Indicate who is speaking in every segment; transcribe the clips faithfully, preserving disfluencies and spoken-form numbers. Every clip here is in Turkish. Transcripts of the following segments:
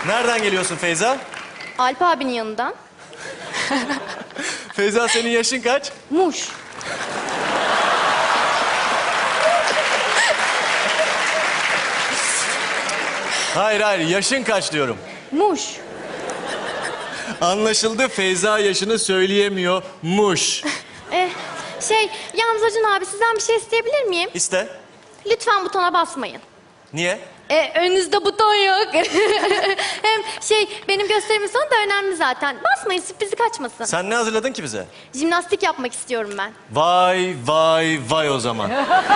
Speaker 1: Nereden geliyorsun Feyza?
Speaker 2: Alp abinin yanından.
Speaker 1: Feyza senin yaşın kaç?
Speaker 2: Muş.
Speaker 1: Hayır hayır yaşın kaç diyorum.
Speaker 2: Muş.
Speaker 1: Anlaşıldı, Feyza yaşını söyleyemiyormuş.
Speaker 2: Eh, şey, yalnız Acun abi sizden bir şey isteyebilir miyim?
Speaker 1: İste.
Speaker 2: Lütfen butona basmayın.
Speaker 1: Niye?
Speaker 2: E, önünüzde buton yok. Hem şey, benim gösterimin sonu da önemli zaten. Basmayın, sürprizi kaçmasın.
Speaker 1: Sen ne hazırladın ki bize?
Speaker 2: Jimnastik yapmak istiyorum ben.
Speaker 1: Vay vay vay o zaman.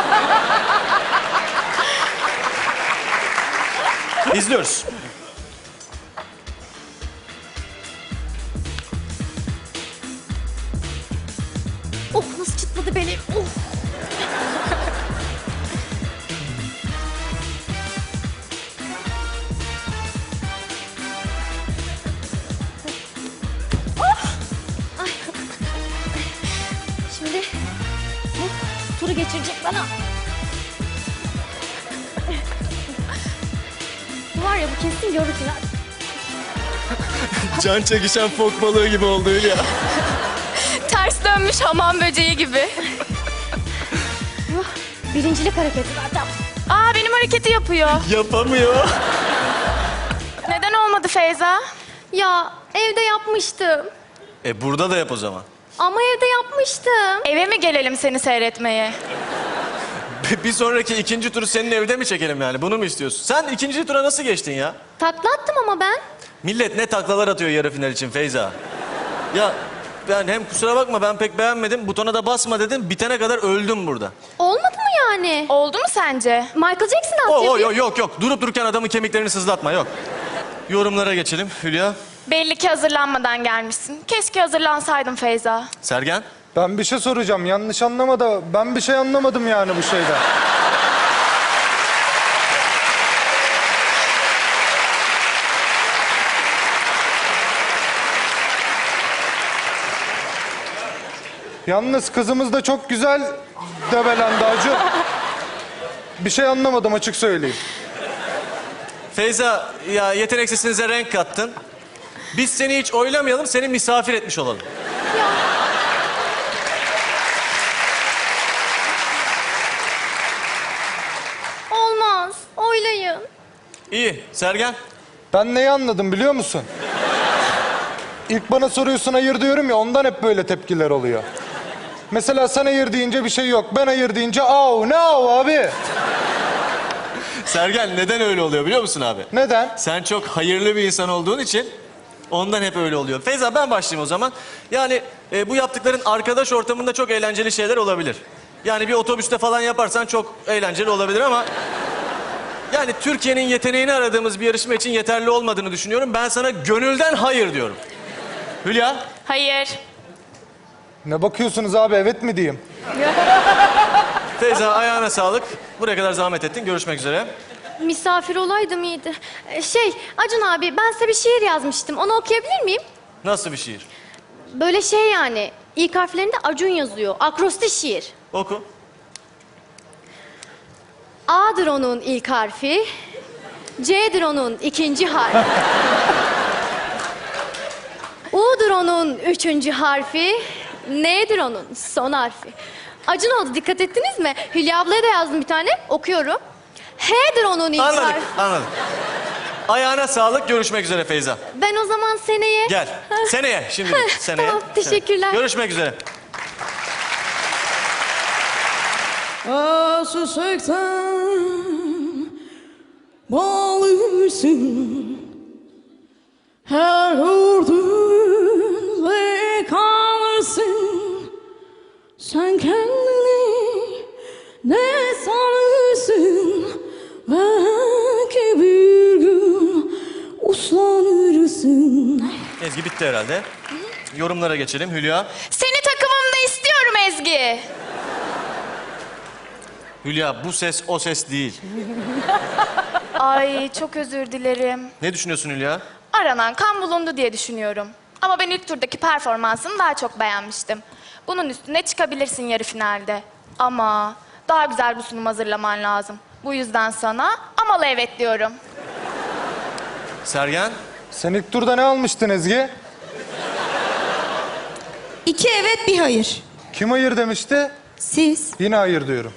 Speaker 1: İzliyoruz.
Speaker 2: Oh, nasıl çıtladı beni. Oh. Ay. Şimdi bu turu geçirecek bana. Bu var ya, bu kesin yarı final.
Speaker 1: Can çekişen fok balığı gibi oldu Hülya.
Speaker 3: Ters dönmüş hamam böceği gibi.
Speaker 2: Bu birincilik hareketi zaten.
Speaker 3: Aa, benim hareketi yapıyor.
Speaker 1: Yapamıyor.
Speaker 3: Neden olmadı Feyza?
Speaker 2: Ya evde yapmıştım.
Speaker 1: E burada da yap o zaman.
Speaker 2: Ama evde yapmıştım.
Speaker 3: Eve mi gelelim seni seyretmeye?
Speaker 1: Bir sonraki ikinci turu senin evde mi çekelim yani? Bunu mu istiyorsun? Sen ikinci tura nasıl geçtin ya?
Speaker 2: Takla attım ama ben.
Speaker 1: Millet ne taklalar atıyor yarı final için Feyza. Ya ben hem kusura bakma ben pek beğenmedim. Butona da basma dedim. Bitene kadar öldüm burada.
Speaker 2: Olmadı mı yani?
Speaker 3: Oldu mu sence?
Speaker 2: Michael Jackson
Speaker 1: O,
Speaker 2: attı.
Speaker 1: o, yok yok yok. Durup dururken adamın kemiklerini sızlatma yok. Yorumlara geçelim Hülya.
Speaker 3: Belli ki hazırlanmadan gelmişsin. Keşke hazırlansaydın Feyza.
Speaker 1: Sergen.
Speaker 4: Ben bir şey soracağım. Yanlış anlama da ben bir şey anlamadım yani bu şeyden. Yalnız kızımız da çok güzel debelendi Acun. Bir şey anlamadım açık söyleyeyim.
Speaker 1: Feyza ya yetenek sesinize renk kattın. Biz seni hiç oylamayalım, seni misafir etmiş olalım.
Speaker 2: Ya. Olmaz. Oylayın.
Speaker 1: İyi. Sergen.
Speaker 4: Ben neyi anladım biliyor musun? İlk bana soruyorsun hayır diyorum ya, ondan hep böyle tepkiler oluyor. Mesela sen hayır deyince bir şey yok. Ben hayır deyince au ne au abi.
Speaker 1: Sergen neden öyle oluyor biliyor musun abi?
Speaker 4: Neden?
Speaker 1: Sen çok hayırlı bir insan olduğun için ondan hep öyle oluyor. Feyza ben başlayayım o zaman. Yani e, bu yaptıkların arkadaş ortamında çok eğlenceli şeyler olabilir. Yani bir otobüste falan yaparsan çok eğlenceli olabilir ama... Yani Türkiye'nin yeteneğini aradığımız bir yarışma için yeterli olmadığını düşünüyorum. Ben sana gönülden hayır diyorum. Hülya?
Speaker 3: Hayır.
Speaker 4: Ne bakıyorsunuz abi, evet mi diyeyim?
Speaker 1: Feyza ayağına sağlık. Buraya kadar zahmet ettin. Görüşmek üzere.
Speaker 2: Misafir olaydım iyiydi. Ee, Şey, Acun abi, ben size bir şiir yazmıştım. Onu okuyabilir miyim?
Speaker 1: Nasıl bir şiir?
Speaker 2: Böyle şey yani. İlk harflerinde Acun yazıyor. Akrostiş şiir.
Speaker 1: Oku.
Speaker 2: A'dır onun ilk harfi. C'dir onun ikinci harfi. U'dur onun üçüncü harfi. N'dir onun son harfi. Acun oldu, dikkat ettiniz mi? Hülya ablaya da yazdım bir tane. Okuyorum. H'dir onun ilk
Speaker 1: Anladık,
Speaker 2: harfi.
Speaker 1: anladık. Ayağına sağlık. Görüşmek üzere Feyza.
Speaker 2: Ben o zaman seneye...
Speaker 1: Gel. Seneye. Şimdi değil, seneye.
Speaker 2: Tamam, teşekkürler.
Speaker 1: Seneye. Görüşmek üzere.
Speaker 5: Aşıktan bağlısın, her gördüğünde kalırsın. Sen kendini ne sanırsın, belki bir gün uslanırsın.
Speaker 1: Ezgi bitti herhalde. Yorumlara geçelim. Hülya.
Speaker 3: Seni takımımda istiyorum Ezgi.
Speaker 1: Hülya bu ses o ses değil.
Speaker 3: Ay, çok özür dilerim.
Speaker 1: Ne düşünüyorsun Hülya?
Speaker 3: Aranan kan bulundu diye düşünüyorum. Ama ben ilk turdaki performansını daha çok beğenmiştim. Bunun üstüne çıkabilirsin yarı finalde. Ama daha güzel bir sunum hazırlaman lazım. Bu yüzden sana amalı evet diyorum.
Speaker 1: Sergen?
Speaker 4: Sen ilk turda ne almıştın Ezgi?
Speaker 6: İki evet bir hayır.
Speaker 4: Kim hayır demişti?
Speaker 6: Siz?
Speaker 4: Yine hayır diyorum.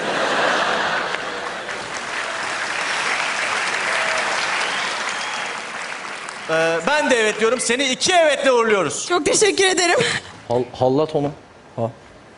Speaker 1: Ee, ben de evet diyorum. Seni iki evetle uğurluyoruz.
Speaker 6: Çok teşekkür ederim.
Speaker 7: Hal, hallat onu. Ha,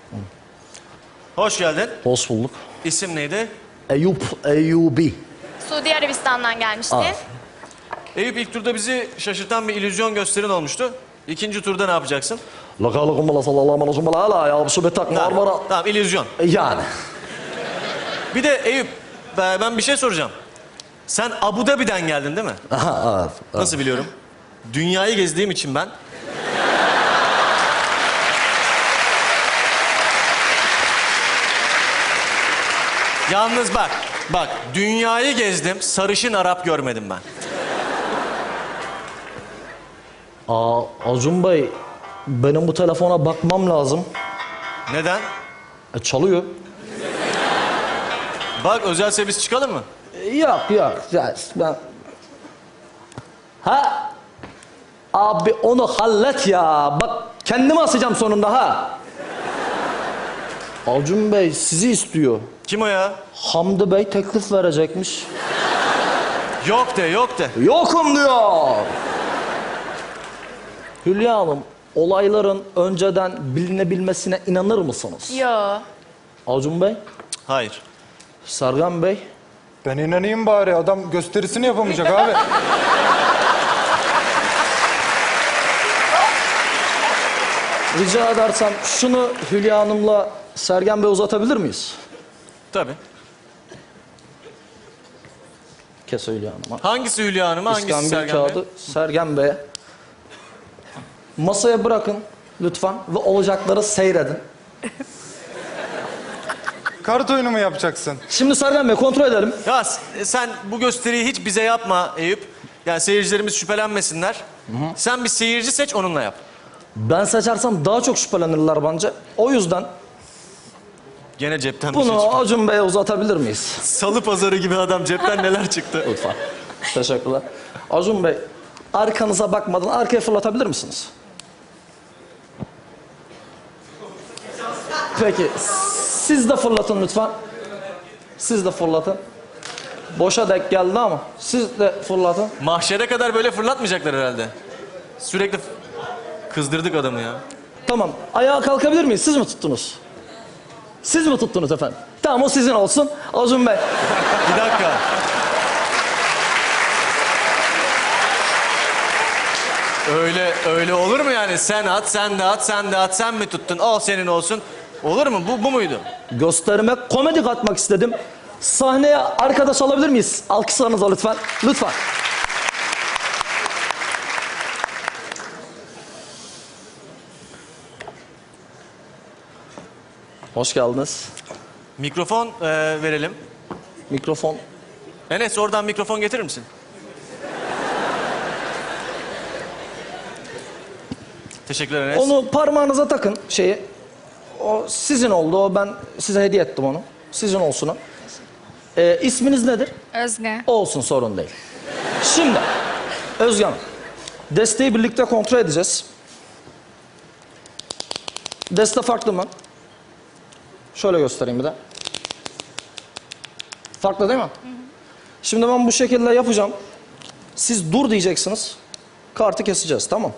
Speaker 1: Hoş geldin.
Speaker 7: hoş bulduk.
Speaker 1: İsim neydi?
Speaker 7: Eyüp Eyyubi.
Speaker 3: Suudi Arabistan'dan gelmiştin.
Speaker 7: Aa.
Speaker 1: Eyüp, ilk turda bizi şaşırtan bir illüzyon gösterin olmuştu. İkinci turda ne yapacaksın?
Speaker 7: Lakalıkum bala sallallahu aleyhi ve sellem ya bu betak marmara.
Speaker 1: Tamam, tamam illüzyon.
Speaker 7: Yani.
Speaker 1: Bir de Eyüp, ben ben bir şey soracağım. Sen Abu Dhabi'den geldin değil mi?
Speaker 7: Aha, evet.
Speaker 1: Nasıl biliyorum? Dünyayı gezdiğim için ben. Yalnız bak, bak dünyayı gezdim, sarışın Arap görmedim ben.
Speaker 7: Aa, Acun Bey, benim bu telefona bakmam lazım.
Speaker 1: Neden?
Speaker 7: E, çalıyor.
Speaker 1: Bak özel servis çıkalım mı?
Speaker 7: E, yok yok. Ya, ben... Ha? Abi onu hallet ya. Bak kendimi asacağım sonunda ha. Acun Bey sizi istiyor.
Speaker 1: Kim o ya?
Speaker 7: Hamdi Bey teklif verecekmiş.
Speaker 1: Yok de, yok de.
Speaker 7: Yokum diyor. Hülya Hanım, olayların önceden bilinebilmesine inanır mısınız?
Speaker 3: Yo.
Speaker 7: Acun Bey,
Speaker 1: Hayır.
Speaker 7: Sergen Bey,
Speaker 4: Ben inanayım bari. Adam gösterisini yapamayacak abi.
Speaker 7: rica edersem şunu Hülya Hanım'la Sergen Bey uzatabilir miyiz?
Speaker 1: Tabii.
Speaker 7: Kes Hülya Hanım'a.
Speaker 1: Hangisi Hülya Hanım, hangisi
Speaker 7: İskambil
Speaker 1: Sergen
Speaker 7: kağıdı
Speaker 1: Bey?
Speaker 7: Sergen Bey'e. Masaya bırakın lütfen ve olacakları seyredin.
Speaker 4: Kart oyunu mu yapacaksın?
Speaker 7: Şimdi Sergen Bey kontrol edelim.
Speaker 1: Ya s- sen bu gösteriyi hiç bize yapma Eyüp. Yani seyircilerimiz şüphelenmesinler. Sen bir seyirci seç, onunla yap.
Speaker 7: Ben seçersem daha çok şüphelenirler bence. O yüzden
Speaker 1: Gene cepten bir şey
Speaker 7: bunu
Speaker 1: çıktı.
Speaker 7: Acun Bey'e uzatabilir miyiz?
Speaker 1: Salı pazarı gibi adam, cepten neler çıktı.
Speaker 7: Lütfen. Teşekkürler. Acun Bey, arkanıza bakmadan arkaya fırlatabilir misiniz? Peki, siz de fırlatın lütfen. Siz de fırlatın. Boşa denk geldi ama siz de fırlatın.
Speaker 1: Mahşere kadar böyle fırlatmayacaklar herhalde. Sürekli f- kızdırdık adamı ya.
Speaker 7: Tamam, ayağa kalkabilir miyiz? Siz mi tuttunuz? Siz mi tuttunuz efendim? Tamam, o sizin olsun. Acun Bey,
Speaker 1: Bir dakika. Öyle öyle olur mu yani? Sen at, sen de at, sen de at, sen mi tuttun? O senin olsun. Olur mu? Bu bu muydu?
Speaker 7: gösterime komedi katmak istedim. Sahneye arkadaş alabilir miyiz? Alkışlarınızla lütfen. Lütfen. Hoş geldiniz.
Speaker 1: Mikrofon e, verelim.
Speaker 7: Mikrofon.
Speaker 1: Enes, oradan mikrofon getirir misin? Teşekkürler Enes.
Speaker 7: Onu parmağınıza takın şeyi. O sizin oldu. O ben size hediye ettim onu. Sizin olsun o. Ee, isminiz nedir?
Speaker 6: Özge.
Speaker 7: Olsun, sorun değil. Şimdi Özge Hanım, desteği birlikte kontrol edeceğiz. Deste farklı mı? Şöyle göstereyim bir de. Farklı değil mi? Hı hı. Şimdi ben bu şekilde yapacağım. Siz dur diyeceksiniz. Kartı keseceğiz, tamam.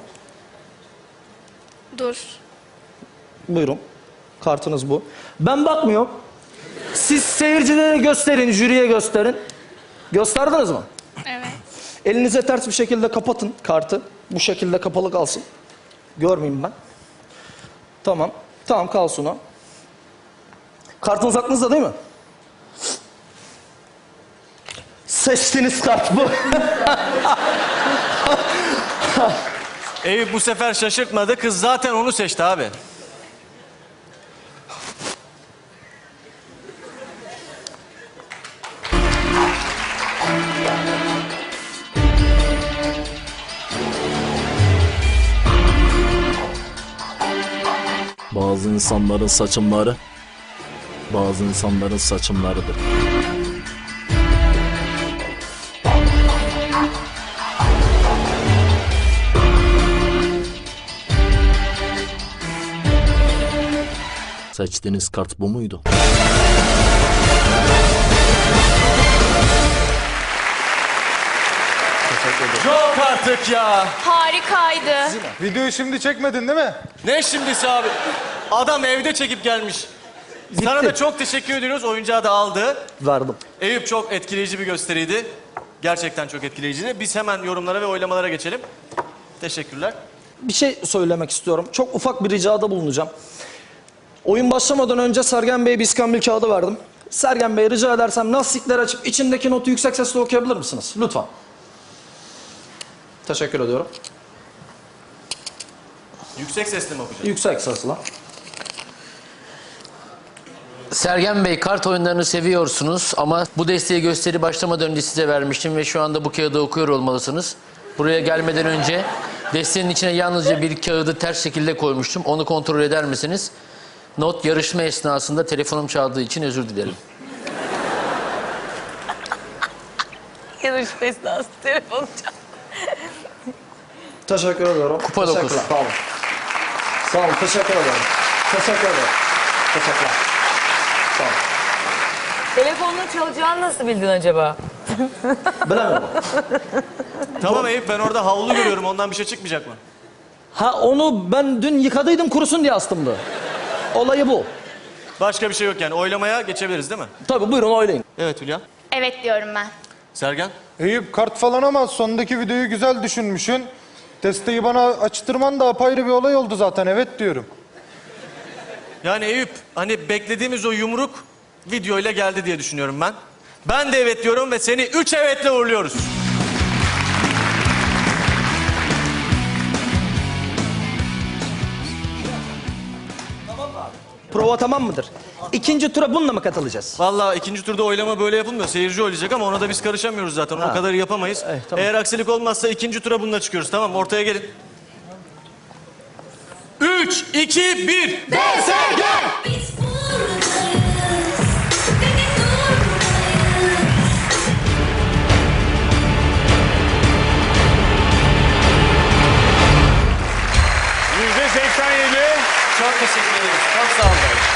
Speaker 3: Dur.
Speaker 7: Buyurun. Kartınız bu. Ben bakmıyorum. Siz seyircilere gösterin, jüriye gösterin. Gösterdiniz mi?
Speaker 3: Evet.
Speaker 7: Elinize ters bir şekilde kapatın kartı. Bu şekilde kapalı kalsın. Görmeyeyim ben. Tamam. Tamam, kalsın o. Kartınız aklınızda değil mi? Seçtiğiniz kart bu.
Speaker 1: Eyüp bu sefer şaşırtmadı. Kız zaten onu seçti abi.
Speaker 8: Bazı insanların saçımları, bazı insanların saçımlarıdır. Seçtiğiniz kart bu muydu?
Speaker 1: Yok artık ya.
Speaker 3: Harikaydı.
Speaker 4: Videoyu şimdi çekmedin değil mi?
Speaker 1: Ne şimdisi abi? Adam evde çekip gelmiş. Sana da çok teşekkür ediyoruz. Oyuncağı da aldı.
Speaker 7: Verdim.
Speaker 1: Eyüp çok etkileyici bir gösteriydi. Gerçekten çok etkileyiciydi. Biz hemen yorumlara ve oylamalara geçelim. Teşekkürler.
Speaker 7: Bir şey söylemek istiyorum. Çok ufak bir ricada bulunacağım. Oyun başlamadan önce Sergen Bey'e bir iskambil kağıdı verdim. Sergen Bey rica edersem lastikler açıp içindeki notu yüksek sesle okuyabilir misiniz? Lütfen. Teşekkür ediyorum.
Speaker 1: Yüksek sesle mi okuyacağız?
Speaker 7: Yüksek sesle.
Speaker 9: Sergen Bey, kart oyunlarını seviyorsunuz ama bu desteği gösteri başlamadan önce size vermiştim ve şu anda bu kağıdı okuyor olmalısınız. Buraya gelmeden önce desteğin içine yalnızca bir kağıdı ters şekilde koymuştum. Onu kontrol eder misiniz? Not, yarışma esnasında telefonum çaldığı için özür dilerim.
Speaker 10: Yarışma esnası telefonu çal.
Speaker 7: Teşekkür ediyorum.
Speaker 9: Kupa dokuz.
Speaker 7: Teşekkürler. Sağ olun. Sağ olun. Teşekkür ederim. Teşekkür ederim. Teşekkürler. Sağ olun.
Speaker 10: Telefonun çalacağını nasıl bildin acaba?
Speaker 7: Bilemedim.
Speaker 1: Tamam Eyüp, ben orada havlu görüyorum. Ondan bir şey çıkmayacak mı?
Speaker 7: Ha onu ben dün yıkadıydım kurusun diye astımdı. Olayı bu.
Speaker 1: Başka bir şey yok yani. Oylamaya geçebiliriz değil mi?
Speaker 7: Tabii buyurun oylayın.
Speaker 1: Evet Hülya.
Speaker 3: Evet diyorum ben.
Speaker 1: Sergen.
Speaker 4: Eyüp kart falan ama sondaki videoyu güzel düşünmüşsün. Desteği bana açtırman da apayrı bir olay oldu zaten, evet diyorum.
Speaker 1: Yani Eyüp, hani beklediğimiz o yumruk videoyla geldi diye düşünüyorum ben. Ben de evet diyorum ve seni üç evetle uğurluyoruz.
Speaker 7: Prova tamam mıdır? İkinci tura bununla mı katılacağız?
Speaker 1: Vallahi ikinci turda oylama böyle yapılmıyor. Seyirci oylayacak ama ona da biz karışamıyoruz zaten. O kadar yapamayız.
Speaker 7: Eh, tamam.
Speaker 1: Eğer aksilik olmazsa ikinci tura bununla çıkıyoruz. Tamam, ortaya gelin. Üç, iki, bir.
Speaker 2: Biz buradayız. Seni durdurmayız.
Speaker 1: Yüzde seksen yedi. Çok teşekkür ederiz. Çok sağ olun.